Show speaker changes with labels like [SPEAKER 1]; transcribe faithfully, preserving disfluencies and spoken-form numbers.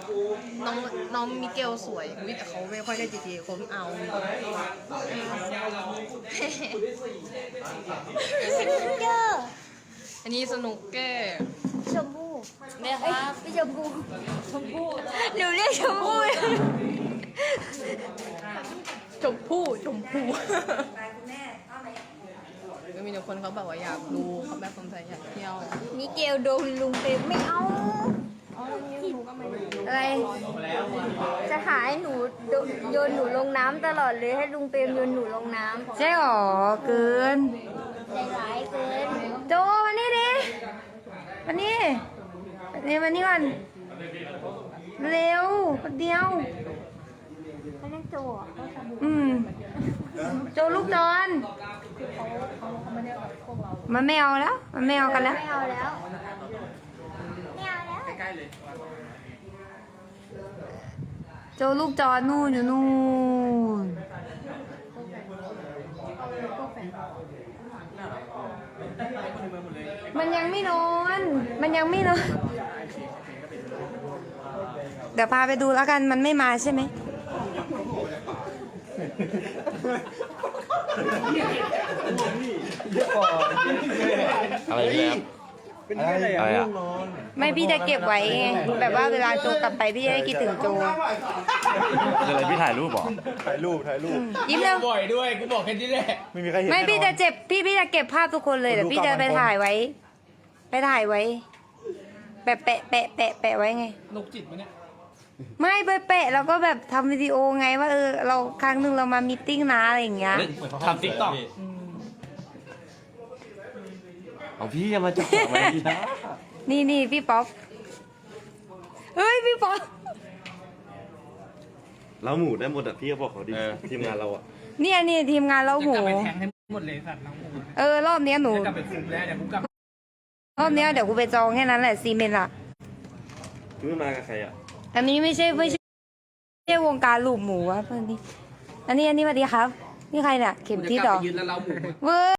[SPEAKER 1] น้องน้องมิเกลสวยวิแต่เขาไม่ค่อยได้ จี ที เอ เขาเอา
[SPEAKER 2] เจอ
[SPEAKER 1] อันนี้สนุกแก้
[SPEAKER 2] ชมพู่
[SPEAKER 1] เนี่ยครับ
[SPEAKER 2] ไม่ชมพู่ชมพู่หนูเรียกชมพู่
[SPEAKER 1] ชมพู่ชมพู่ก็มีแต่คนเขาแบบว่าอยากดูเขาแบบสนใจอยากเที่ยว
[SPEAKER 2] มิเกลโดนลุงเปมไม่เอาอะไรจะหาให้หนูโยนหนูลงน้ำตลอดเลยให้ลุงเปรมโยนหนูลงน้ำ
[SPEAKER 3] ใช่หรอเกิน
[SPEAKER 2] ใจร้ายเกิน
[SPEAKER 3] โจมานี่ดิมานี่นี่มานี่ก่อนเร็วคนเดียว
[SPEAKER 2] เขาเรียกโจอ่ะ
[SPEAKER 3] อืมโจลูกจอนมันไม่เอาแล้ว มันไม่เอากันแล้ว
[SPEAKER 2] ไม่เอาแล้วไม่เอาแล้ว
[SPEAKER 4] ใกล้ๆเลย
[SPEAKER 3] โจลูกจอนนู่นอยู่นู่นมันยังไม่นอน มันยังไม่นอน เดี๋ยวพาไปดูแล้วกัน มันไม่มาใช่ไหม
[SPEAKER 5] อะไรเนี่ยครับ
[SPEAKER 4] เป็นที่อะไรอ่ะ
[SPEAKER 5] อะไร
[SPEAKER 4] ง่
[SPEAKER 5] อ่ะ
[SPEAKER 4] วงนอน
[SPEAKER 3] ไม่พี่จะเก็บไว้ไง แบบว่าเวลาโจกลับไปพี่จะได้คิดถึงโจ
[SPEAKER 5] คืออะไรพี่ถ่ายรูปเหรอ
[SPEAKER 4] ถ่ายรูปถ่ายรูป
[SPEAKER 3] ยิ้มเร็ว
[SPEAKER 6] บ่อยด้วยกูบอกแค่นี้แหละ
[SPEAKER 4] ไม่มีใครเห็น
[SPEAKER 3] ไม่พี่
[SPEAKER 4] แน่น
[SPEAKER 3] จะ
[SPEAKER 4] อน
[SPEAKER 3] เจ็บพี่พี่จะเก็บภาพทุกคนเลยเดี๋ยวพี่จะไปถ่ายไว้ ไปถ่ายไว้ แปะแปะแปะแปะแปะไว้ไง
[SPEAKER 6] นกจิตมันเนี่ย
[SPEAKER 3] ไม่ไปแปะแล้วก็แบบทำวิดีโอไงว่าเออเราครั้งหนึ่งเรามามีตติ้งนะอะไรอย่างเงี้ย
[SPEAKER 6] ทำติ๊กต็อก
[SPEAKER 5] เอาพี่อย่ามาจับทำไมนะ
[SPEAKER 3] นี่นี่พี่ป๊อปเฮ้ยพี่ป๊อป
[SPEAKER 5] เราหมูได้หมดอ่ะพี่ก็บอกเขาดิทีมงานเราอ่ะ
[SPEAKER 3] เนี่ยนี่ทีมงานเรา
[SPEAKER 6] จะ
[SPEAKER 3] โห
[SPEAKER 6] กลับไปแทงให้หมดเลยสัตว์น้องหมู
[SPEAKER 3] เออรอบเนี้ยหนู
[SPEAKER 6] จะกลับไปคุมแล้วเดี๋ยวกูกลับ
[SPEAKER 3] รอบเนี้ยเดี๋ยวกูไปจองแค่นั้นแหละซีเมนต์อะ
[SPEAKER 5] พี่มากับใครอ่ะ
[SPEAKER 3] อันนี้ไม่ใช่ไม่ใช่ไม่ใช่วงการลูกหมูอะเพื่อนนี่อันนี้อันนี้สวัสดีครับนี่ใครเนี่ยเข็ม
[SPEAKER 6] จะ
[SPEAKER 3] ทิศ
[SPEAKER 6] ก
[SPEAKER 3] เหร
[SPEAKER 6] ลับ
[SPEAKER 3] อ
[SPEAKER 6] ไปยืนแล้วเราหมู
[SPEAKER 3] เว้ย